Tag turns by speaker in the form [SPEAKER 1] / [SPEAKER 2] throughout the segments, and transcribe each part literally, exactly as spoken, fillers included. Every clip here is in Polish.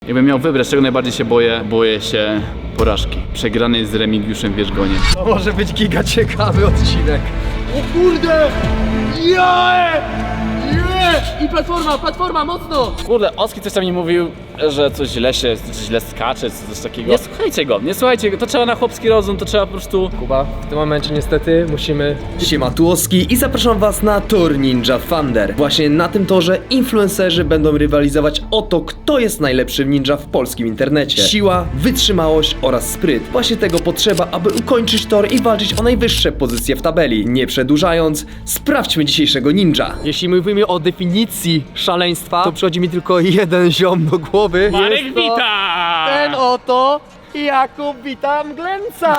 [SPEAKER 1] Jakbym miał wybrać, czego najbardziej się boję, boję się porażki. Przegranej z Remigiuszem Wierzgoniem.
[SPEAKER 2] To może być giga ciekawy odcinek. O kurde! Jae!
[SPEAKER 3] I platforma, platforma, mocno!
[SPEAKER 1] Kurde, Oski coś tam mi mówił, że coś źle się, coś źle skacze, coś takiego. Nie słuchajcie go, nie słuchajcie go, to trzeba na chłopski rozum, to trzeba po prostu...
[SPEAKER 2] Kuba, w tym momencie niestety musimy... Siema, tu Oski i zapraszam was na tor Ninja Thunder. Właśnie na tym torze influencerzy będą rywalizować o to, kto jest najlepszy ninja w polskim internecie. Siła, wytrzymałość oraz spryt. Właśnie tego potrzeba, aby ukończyć tor i walczyć o najwyższe pozycje w tabeli. Nie przedłużając, sprawdźmy dzisiejszego ninja. Jeśli mówimy o definicji szaleństwa, to przychodzi mi tylko jeden ziom do głowy.
[SPEAKER 1] Marek
[SPEAKER 2] Jest to
[SPEAKER 1] Wita!
[SPEAKER 2] Ten oto Jakub Witam Glęca!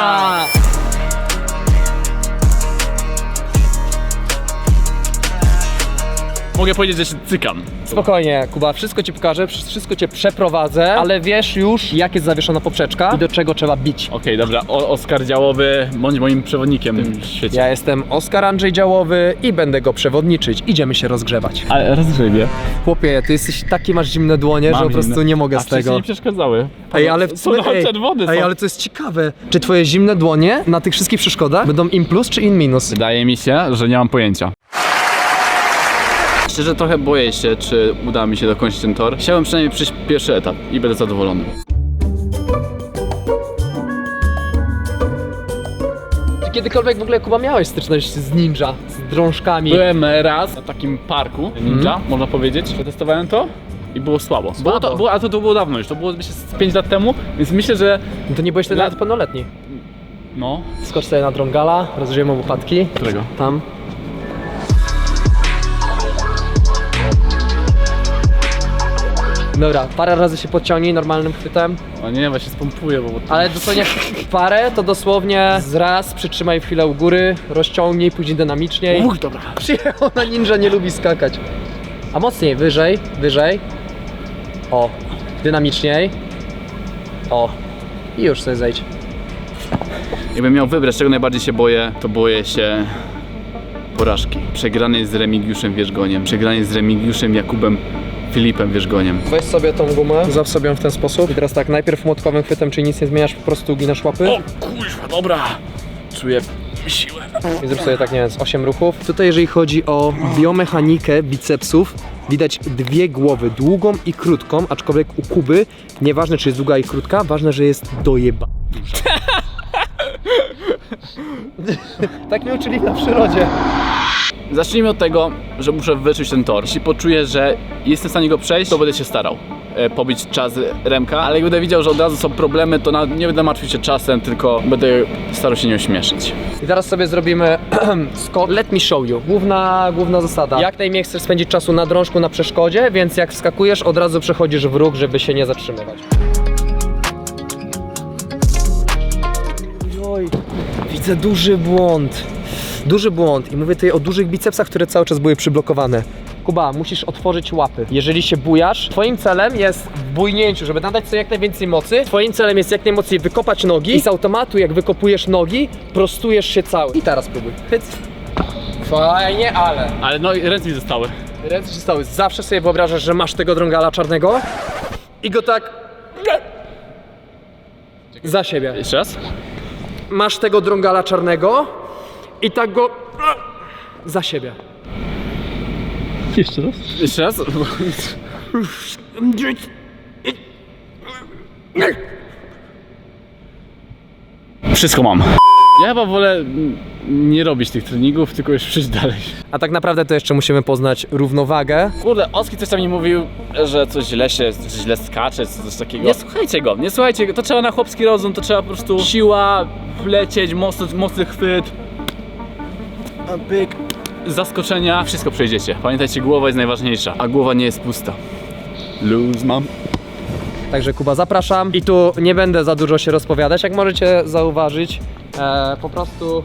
[SPEAKER 1] Mogę powiedzieć, że się cykam.
[SPEAKER 2] Spokojnie, Kuba, wszystko ci pokażę, wszystko cię przeprowadzę, ale wiesz już, jak jest zawieszona poprzeczka i do czego trzeba bić.
[SPEAKER 1] Okej, okay, dobra, o Oskar Działowy, bądź moim przewodnikiem w tym świecie.
[SPEAKER 2] Ja jestem Oskar Andrzej Działowy i będę go przewodniczyć. Idziemy się rozgrzewać.
[SPEAKER 1] Ale rozgrzebie.
[SPEAKER 2] Chłopie, ty jesteś takie, masz zimne dłonie,
[SPEAKER 1] Mam
[SPEAKER 2] że po prostu
[SPEAKER 1] zimne.
[SPEAKER 2] nie mogę
[SPEAKER 1] A
[SPEAKER 2] z tego.
[SPEAKER 1] nie przeszkadzały.
[SPEAKER 2] Ej, ale
[SPEAKER 1] są
[SPEAKER 2] ej,
[SPEAKER 1] czerwone.
[SPEAKER 2] ej,
[SPEAKER 1] są.
[SPEAKER 2] ale to jest ciekawe. Czy twoje zimne dłonie na tych wszystkich przeszkodach będą in plus czy in minus?
[SPEAKER 1] Wydaje mi się, że nie mam pojęcia. Szczerze trochę boję się, czy uda mi się dokończyć ten tor. Chciałem przynajmniej przejść pierwszy etap i będę zadowolony.
[SPEAKER 2] Czy kiedykolwiek w ogóle, Kuba, miałeś styczność z ninja, z drążkami?
[SPEAKER 1] Byłem raz na takim parku ninja, mm. można powiedzieć. Przetestowałem to i było słabo. Było to, było, a to, to było dawno już, to było myślę z pięć lat temu, więc myślę, że...
[SPEAKER 2] To nie byłeś wtedy
[SPEAKER 1] Na-
[SPEAKER 2] nawet pełnoletni.
[SPEAKER 1] No.
[SPEAKER 2] Skocz sobie na drągala, rozżyjemy łopatki.
[SPEAKER 1] Którego?
[SPEAKER 2] Tam. Dobra, parę razy się podciągnij normalnym chwytem,
[SPEAKER 1] O nie, właśnie spompuję, bo...
[SPEAKER 2] ale dosłownie parę to dosłownie z raz przytrzymaj chwilę u góry, rozciągnij, później dynamiczniej.
[SPEAKER 1] Uch, dobra.
[SPEAKER 2] Przyjechał na ninja, nie lubi skakać. A mocniej, wyżej, wyżej. O, dynamiczniej. O, i już sobie zejdź.
[SPEAKER 1] Jakbym miał wybrać, czego najbardziej się boję, to boję się porażki. Przegranej z Remigiuszem Wierzgoniem. Przegranej z Remigiuszem Jakubem Filipem Wierzgoniem.
[SPEAKER 2] Weź sobie tą gumę, zap sobie ją w ten sposób. I teraz tak, najpierw młotkowym chwytem, czyli nic nie zmieniasz, po prostu uginasz łapy.
[SPEAKER 1] O kurwa, dobra. Czuję siłę.
[SPEAKER 2] I zrób sobie tak, nie wiem, z osiem ruchów. Tutaj jeżeli chodzi o biomechanikę bicepsów, widać dwie głowy, długą i krótką, aczkolwiek u Kuby, nieważne czy jest długa i krótka, ważne, że jest dojeba duża. Tak mnie uczyli na przyrodzie.
[SPEAKER 1] Zacznijmy od tego, że muszę wyczuć ten tor. Jeśli poczuję, że jestem w stanie go przejść, to będę się starał e, pobić czas Remka, ale jak będę widział, że od razu są problemy, to na, nie będę martwił się czasem, tylko będę starał się nie ośmieszyć.
[SPEAKER 2] I teraz sobie zrobimy skok. Let me show you. Główna, główna zasada. Jak najmniej chcesz spędzić czasu na drążku, na przeszkodzie, więc jak wskakujesz, od razu przechodzisz w ruch, żeby się nie zatrzymywać. Oj, widzę duży błąd. Duży błąd i mówię tutaj o dużych bicepsach, które cały czas były przyblokowane. Kuba, musisz otworzyć łapy. Jeżeli się bujasz, twoim celem jest w bujnięciu, żeby nadać sobie jak najwięcej mocy. Twoim celem jest jak najmocniej wykopać nogi i z automatu, jak wykopujesz nogi, prostujesz się cały. I teraz spróbuj. Hyc. Fajnie, ale...
[SPEAKER 1] Ale no i ręce mi zostały.
[SPEAKER 2] Ręce się stały. Zawsze sobie wyobrażasz, że masz tego drągala czarnego i go tak... za siebie.
[SPEAKER 1] Jeszcze raz?
[SPEAKER 2] Masz tego drągala czarnego i tak go... za siebie.
[SPEAKER 1] Jeszcze raz? Jeszcze raz? Wszystko mam. Ja chyba wolę nie robić tych treningów, tylko już przejść dalej.
[SPEAKER 2] A tak naprawdę to jeszcze musimy poznać równowagę.
[SPEAKER 1] Kurde, Oski coś tam mi mówił, że coś źle się, coś źle skacze, coś takiego. Nie słuchajcie go, nie słuchajcie go, to trzeba na chłopski rozum, to trzeba po prostu siła, lecieć, mocny, mocny chwyt, pyk, zaskoczenia, wszystko przejdziecie. Pamiętajcie, głowa jest najważniejsza, a głowa nie jest pusta. Luz mam.
[SPEAKER 2] Także Kuba, zapraszam. I tu nie będę za dużo się rozpowiadać, jak możecie zauważyć. E, po prostu...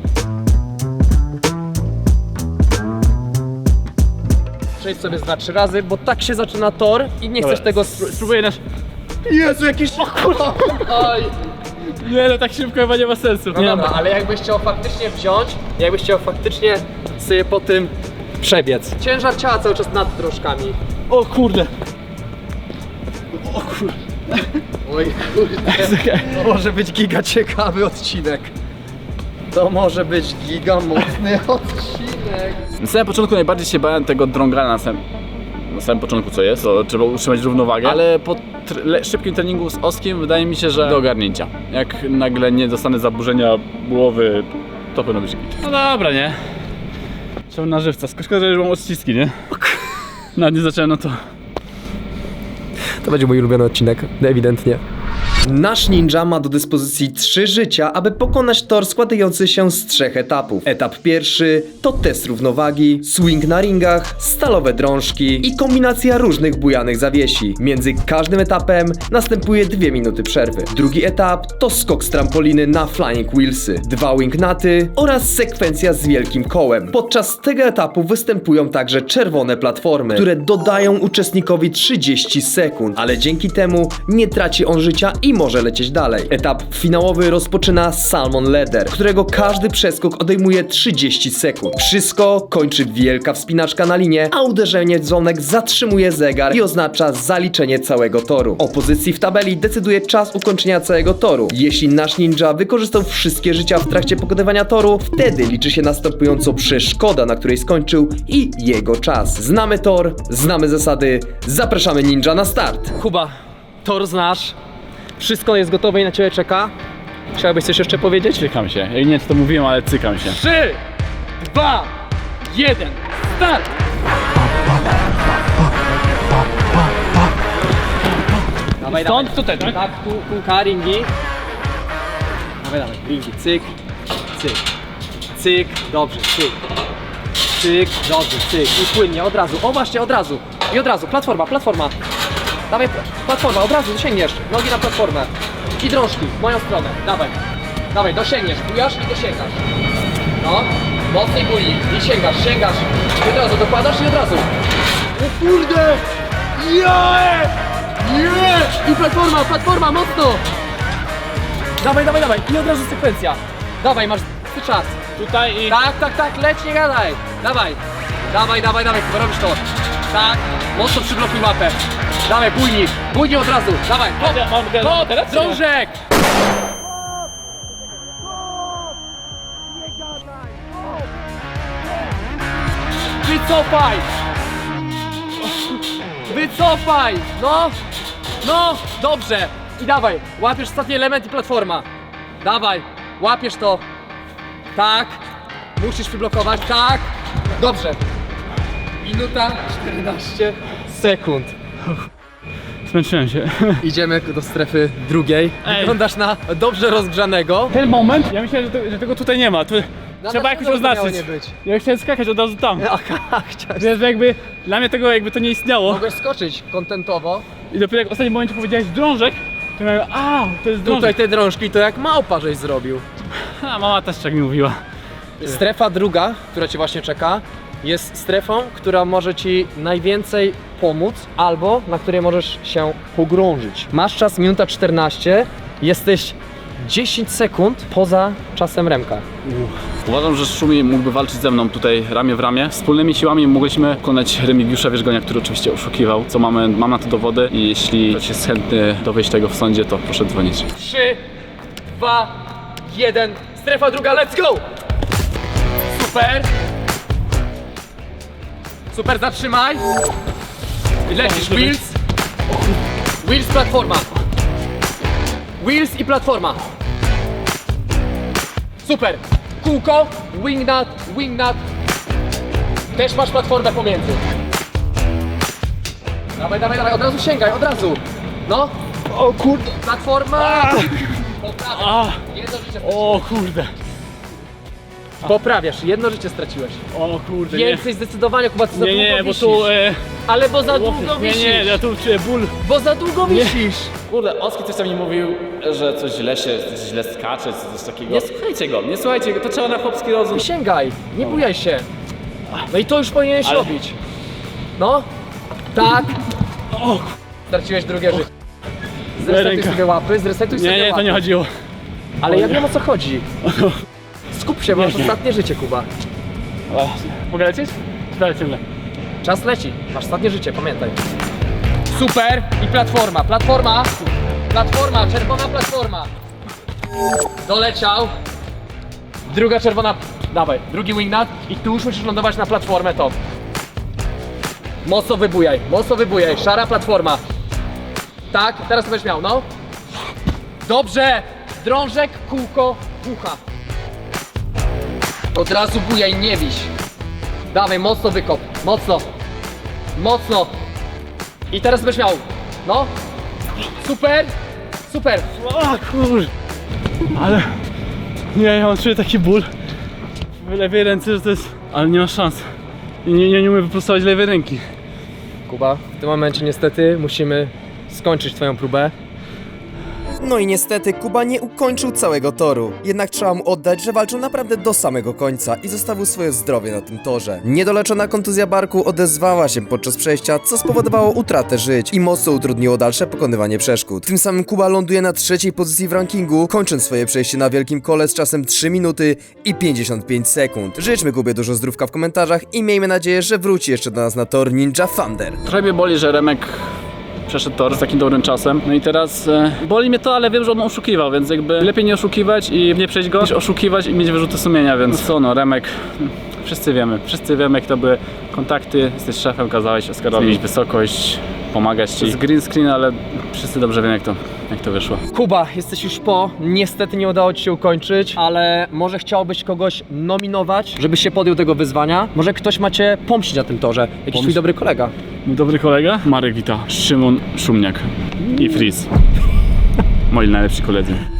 [SPEAKER 2] Przejdź sobie z dwa, trzy razy, bo tak się zaczyna tor i nie
[SPEAKER 1] Dobra,
[SPEAKER 2] chcesz tego...
[SPEAKER 1] Spróbuję nasz...
[SPEAKER 2] Jezu, jakiś... Oj.
[SPEAKER 1] Nie no, tak szybko chyba nie ma sensu.
[SPEAKER 2] No
[SPEAKER 1] nie
[SPEAKER 2] dobra,
[SPEAKER 1] ma.
[SPEAKER 2] ale jakbyś chciał faktycznie wziąć, jakbyś chciał faktycznie sobie po tym przebiec. Ciężar ciała cały czas nad drążkami.
[SPEAKER 1] O kurde. O kurde.
[SPEAKER 2] Oj kurde, to może być giga ciekawy odcinek. To może być giga mocny odcinek.
[SPEAKER 1] Na samym początku najbardziej się bałem tego drągala na samym, na samym początku co jest, to trzeba utrzymać równowagę, ale po tr le szybkim treningu z Oskiem wydaje mi się, że do ogarnięcia. Jak nagle nie dostanę zaburzenia głowy, to powinno być git. No dobra, nie? Trzeba na żywca, szkoda, że już mam odciski, nie? Nawet nie zacząłem, no to...
[SPEAKER 2] To będzie mój ulubiony odcinek, ewidentnie. Nasz ninja ma do dyspozycji trzy życia, aby pokonać tor składający się z trzech etapów. Etap pierwszy to test równowagi, swing na ringach, stalowe drążki i kombinacja różnych bujanych zawiesi. Między każdym etapem następuje dwie minuty przerwy. Drugi etap to skok z trampoliny na flying wheelsy, dwa wingnaty oraz sekwencja z wielkim kołem. Podczas tego etapu występują także czerwone platformy, które dodają uczestnikowi trzydzieści sekund, ale dzięki temu nie traci on życia i może lecieć dalej. Etap finałowy rozpoczyna Salmon Ladder, którego każdy przeskok odejmuje trzydzieści sekund. Wszystko kończy wielka wspinaczka na linię, a uderzenie w dzwonek zatrzymuje zegar i oznacza zaliczenie całego toru. O pozycji w tabeli decyduje czas ukończenia całego toru. Jeśli nasz ninja wykorzystał wszystkie życia w trakcie pokonywania toru, wtedy liczy się następująco przeszkoda, na której skończył i jego czas. Znamy tor, znamy zasady, zapraszamy ninja na start. Kuba, tor znasz. Wszystko jest gotowe i na ciebie czeka. Chciałbyś coś jeszcze powiedzieć?
[SPEAKER 1] Cykam się. Ja nie wiem, czy to mówiłem, ale cykam się.
[SPEAKER 3] Trzy, dwa, jeden, start!
[SPEAKER 2] Dawaj,
[SPEAKER 3] Stąd tutaj, tak?
[SPEAKER 2] Tak, tu, kółka, ringi. Dawaj, dawaj, ringi, cyk, cyk, cyk, dobrze, cyk, cyk, dobrze, cyk i płynnie, od razu, o właśnie, od razu i od razu, platforma, platforma. Dawaj, platforma, od razu dosięgniesz, nogi na platformę i drążki, w moją stronę, dawaj, dawaj, dosięgniesz, bujasz i dosięgasz. No, mocniej buli i sięgasz, sięgasz i od razu dokładasz i od razu.
[SPEAKER 3] O kurde! Yeah! Yeah! I platforma, platforma, mocno!
[SPEAKER 2] Dawaj, dawaj, dawaj i od razu sekwencja. Dawaj, masz ty czas.
[SPEAKER 1] Tutaj i...
[SPEAKER 2] Tak, tak, tak, leć, nie gadaj. Dawaj, dawaj, dawaj, dawaj, chyba robisz to. Tak, mocno przyblokuj łapę. Dawaj, bujnik, bujnik od razu, dawaj, hop,
[SPEAKER 1] Ja mam go-
[SPEAKER 2] hop,
[SPEAKER 1] teraz czy nie?
[SPEAKER 2] drążek. Wycofaj. Wycofaj, no, no, dobrze. I dawaj, łapiesz ostatni element i platforma. Dawaj, łapiesz to. Tak, musisz wyblokować, tak. Dobrze. Minuta czternaście sekund.
[SPEAKER 1] Zmęczyłem się.
[SPEAKER 2] Idziemy do strefy drugiej.
[SPEAKER 1] Ej.
[SPEAKER 2] Wyglądasz na dobrze rozgrzanego.
[SPEAKER 1] Ten moment, ja myślałem, że, to, że tego tutaj nie ma. Tu trzeba jakoś
[SPEAKER 2] pewno to miało
[SPEAKER 1] oznaczyć.
[SPEAKER 2] nie być.
[SPEAKER 1] Ja chciałem skakać od razu tam.
[SPEAKER 2] Aha, chciałeś.
[SPEAKER 1] Więc jakby dla mnie tego jakby to nie istniało.
[SPEAKER 2] Mogłeś skoczyć kontentowo.
[SPEAKER 1] I dopiero jak w ostatnim momencie powiedziałeś drążek, to miałem, a to jest
[SPEAKER 2] Tutaj
[SPEAKER 1] drążek.
[SPEAKER 2] te drążki to jak małpa żeś zrobił.
[SPEAKER 1] A mama też tak mi mówiła.
[SPEAKER 2] Strefa druga, która cię właśnie czeka, jest strefą, która może ci najwięcej pomóc, albo na której możesz się pogrążyć. Masz czas minuta czternaście, jesteś dziesięć sekund poza czasem Remka.
[SPEAKER 1] Uważam, że Szumi mógłby walczyć ze mną tutaj ramię w ramię. Wspólnymi siłami mogliśmy pokonać Remigiusza Wierzgonia, który oczywiście oszukiwał, co mamy, mam na to dowody i jeśli ktoś jest chętny dowieść tego w sądzie, to proszę dzwonić.
[SPEAKER 2] trzy, dwa, jeden, strefa druga, let's go! Super! Super, zatrzymaj! I lecisz, wheels! Wheels, platforma! Wheels i platforma! Super! Kółko, wingnut, wingnut. Też masz platformę pomiędzy. Dawaj, dawaj, dawaj, od razu sięgaj, od razu! No!
[SPEAKER 1] O kurde!
[SPEAKER 2] Platforma! Poprawiasz.
[SPEAKER 1] A.
[SPEAKER 2] Jedno życie straciłeś.
[SPEAKER 1] O kurde!
[SPEAKER 2] Poprawiasz, jedno życie straciłeś.
[SPEAKER 1] O kurde, nie.
[SPEAKER 2] Więcej zdecydowanie, Kuba, ty za
[SPEAKER 1] Nie,
[SPEAKER 2] długo
[SPEAKER 1] nie, bo
[SPEAKER 2] wisisz.
[SPEAKER 1] tu... E,
[SPEAKER 2] Ale bo za długo
[SPEAKER 1] nie,
[SPEAKER 2] wisisz.
[SPEAKER 1] nie, ja tu czuję ból.
[SPEAKER 2] Bo za długo wisisz.
[SPEAKER 1] Kurde, Oski coś tam mi mówił, że coś źle się, coś źle skacze, coś takiego. Nie słuchajcie go, nie słuchajcie go, to trzeba na chłopski rozum.
[SPEAKER 2] Sięgaj, nie bujaj się. No i to już powinieneś
[SPEAKER 1] Ale-
[SPEAKER 2] robić. No, tak.
[SPEAKER 1] O,
[SPEAKER 2] Straciłeś drugie życie. Zresetuj
[SPEAKER 1] ręka.
[SPEAKER 2] sobie łapy, zresetuj sobie
[SPEAKER 1] nie, nie,
[SPEAKER 2] łapy.
[SPEAKER 1] to nie chodziło.
[SPEAKER 2] Ale
[SPEAKER 1] O
[SPEAKER 2] ja
[SPEAKER 1] nie.
[SPEAKER 2] wiem, o co chodzi. Skup się, masz
[SPEAKER 1] Nie, nie.
[SPEAKER 2] ostatnie życie, Kuba.
[SPEAKER 1] O, mogę lecieć? Dalej ciągle.
[SPEAKER 2] Czas leci, masz ostatnie życie, pamiętaj.
[SPEAKER 3] Super. I platforma, platforma. Platforma, czerwona platforma. Doleciał. Druga czerwona, dawaj, drugi wingnut. I tu już musisz lądować na platformę to. Mocno wybujaj, mocno wybujaj, szara platforma. Tak, teraz to będziesz miał, no. Dobrze, drążek, kółko, bucha. Od razu bujaj, nie wiś. Dawaj, mocno wykop, mocno. Mocno. I teraz będziesz miał, no. Super, super.
[SPEAKER 1] O kur... Ale... Nie, ja mam czuję taki ból w lewej ręce, że to jest... Ale nie ma szans. Nie, nie, nie umiem wyprostować lewej ręki.
[SPEAKER 2] Kuba, w tym momencie niestety musimy skończyć twoją próbę.
[SPEAKER 4] No i niestety Kuba nie ukończył całego toru. Jednak trzeba mu oddać, że walczył naprawdę do samego końca i zostawił swoje zdrowie na tym torze. Niedoleczona kontuzja barku odezwała się podczas przejścia, co spowodowało utratę żyć i mocno utrudniło dalsze pokonywanie przeszkód. Tym samym Kuba ląduje na trzeciej pozycji w rankingu, kończąc swoje przejście na wielkim kole z czasem trzy minuty i pięćdziesiąt pięć sekund. Życzmy Kubie dużo zdrówka w komentarzach i miejmy nadzieję, że wróci jeszcze do nas na tor Ninja Thunder.
[SPEAKER 1] Trochę mnie boli, że Remek przeszedł tor z takim dobrym czasem. No i teraz e, boli mnie to, ale wiem, że on oszukiwał, więc jakby lepiej nie oszukiwać i nie przejść go, niż oszukiwać i mieć wyrzuty sumienia, więc co no, Remek, wszyscy wiemy, wszyscy wiemy, jak to były kontakty, jesteś szefem, kazałeś Oskarowi zmienić wysokość, pomagać ci z green screen, ale wszyscy dobrze wiemy, jak to, jak to wyszło.
[SPEAKER 2] Kuba, jesteś już po. Niestety nie udało ci się ukończyć, ale może chciałbyś kogoś nominować, żebyś się podjął tego wyzwania? Może ktoś ma cię pomścić na tym torze? Jakiś twój
[SPEAKER 1] Pomść?
[SPEAKER 2] dobry kolega.
[SPEAKER 1] Mój dobry kolega, Marek Wita, Szymon Szumniak i Fris. Moi najlepsi koledzy.